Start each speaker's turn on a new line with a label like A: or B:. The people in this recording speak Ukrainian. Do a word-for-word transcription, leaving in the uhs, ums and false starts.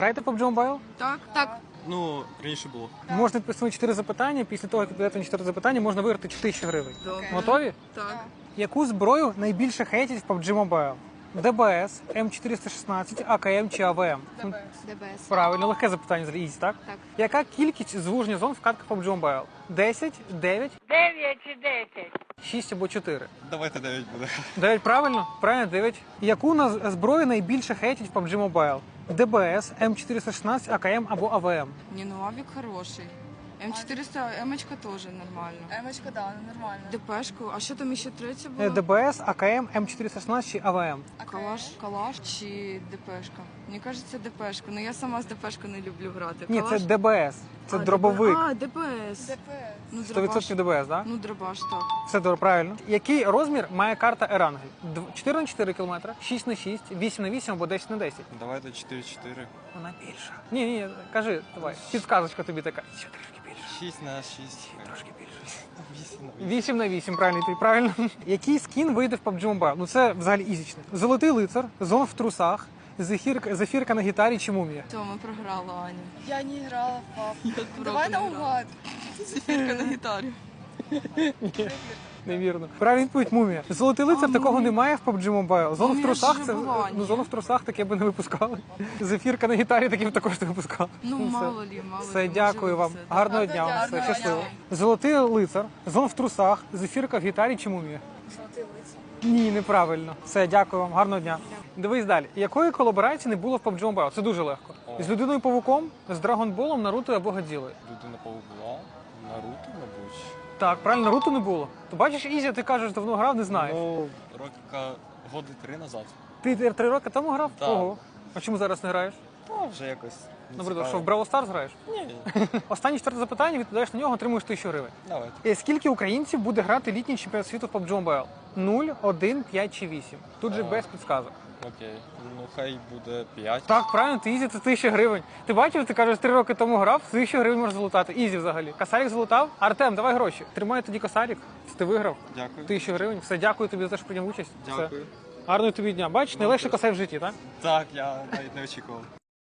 A: Граєте в пабджі Mobile?
B: Так, так.
C: Ну, раніше було.
A: Можна відповісти чотири запитання. Після того, як відповідати на чотири запитання, можна виграти тисячу гривень.
B: Добре.
A: Готові?
B: Так.
A: Яку зброю найбільше хейтять в пабджі Mobile? ДБС, М чотириста шістнадцять, АКМ чи АВМ?
B: ДБС.
A: Правильно, легке запитання з Ізі, так?
B: Так.
A: Яка кількість звуження зон в катках пабджі Mobile? десять, дев'ять,
D: Дев'ять чи десять.
A: шість або чотири?
C: Давайте дев'ять буде.
A: дев'ять правильно? Правильно, дев'ять. Яку наз- зброю найбільше хейтять в пабджі Mobile? ДБС, М чотириста шістнадцять, АКМ або АВМ?
B: Не, ну авик хороший. М чотириста, М-очка тоже нормально.
E: Емочка, да, нормально.
B: ДПшку, а що там ще третє
A: Е,
B: було?
A: ДБС, АКМ, М чотириста шістнадцять чи АВМ?
B: Калаш, калаш чи ДПшка? Мені кажеться, ДПшка. Ну я сама з ДПшку не люблю грати.
A: Ні, це
B: Калаш?
A: ДБС. Це
B: А,
A: дробовик.
B: А, ДПС.
E: ДПС.
B: Ну,
A: сто
B: дробаш.
A: відсотків ДБС, так?
B: Ну, дробаш, так.
A: Все добре, правильно. Який розмір має карта Ерангель? Дв- чотири на чотири кілометри, шість на шість, вісім на вісім або десять на десять?
C: Давайте чотири-чотири.
A: Вона більша. Ні, ні, кажи, давай. Підсказочка тобі така. Ще трішки більше.
C: шість на шість.
A: Трошки більше.
C: вісім на вісім.
A: вісім на вісім, правильно, ти правильно. Який скін вийде в пабджі Mobile? Ну це взагалі ізічне. Золотий лицар, зон в трусах, зефірка, зефірка на гітарі чи мумія?
B: Все, ми програли, Аня.
E: Я не грала в пап.
B: Я
E: Давай
B: не грала.
E: наугад.
B: Зефірка на гітарі.
A: Невірно. Правильна відповідь мумія. Золотий лицар
B: А,
A: такого
B: мумія.
A: немає в пабджі Mobile. Зону в
B: Мумія
A: трусах
B: ж
A: це
B: була,
A: ну
B: ні?
A: зону в трусах таке би не випускали. Зефірка на гітарі такі б також не випускали.
B: Ну,
A: все.
B: мало лі, мало
A: Все,
B: лі,
A: дякую
B: може,
A: вам.
B: все, так.
A: Гарного
E: Гарного
A: дня вам.
E: дня,
A: Все,
E: гарного
A: щасливо.
E: дня.
A: Золотий лицар, зон в трусах, зефірка в гітарі чи мумія?
E: Золотий лиць.
A: Ні, неправильно. Все, дякую вам. Гарного дня. Дивись далі. Якої колаборації не було в пабджі Mobile? Це дуже легко.
C: О.
A: З людиною павуком, з Драгонболом, Наруто або Годзілою.
C: Людина паук була. Наруто, мабуть.
A: Так, правильно, Наруто не було. То бачиш, Ізя, ти кажеш, давно грав, не знаєш.
C: Ну, роки годи три назад.
A: Ти три три роки тому грав?
C: Так.
A: Ого. А чому зараз не граєш?
C: Та вже якось. не
A: Наприклад, що
C: цікаво.
A: в Бравл Старс граєш?
C: Ні.
A: Останнє четверте запитання, відповідаєш на нього, отримуєш тисячу гривень.
C: Давайте.
A: І скільки українців буде грати літній чемпіонат світу в пабджі Mobile? нуль, один, п'ять чи вісім? Тут же
C: А.
A: без підсказок.
C: Окей. Ну, хай буде п'ять.
A: Так, правильно, ти Ізі, це тисяча гривень. Ти бачив, ти кажеш, три роки тому грав, тисячу гривень можеш залутати. Ізі взагалі. Косарик залутав? Артем, давай гроші. Тримай тоді косарик. Ти виграв.
C: Дякую.
A: Тисячу гривень. Все, дякую тобі за те, що прийняв участь. Все.
C: Дякую.
A: Гарного тобі дня. Бачиш, найлегше косарь в житті, так?
C: Так, я навіть не очікував.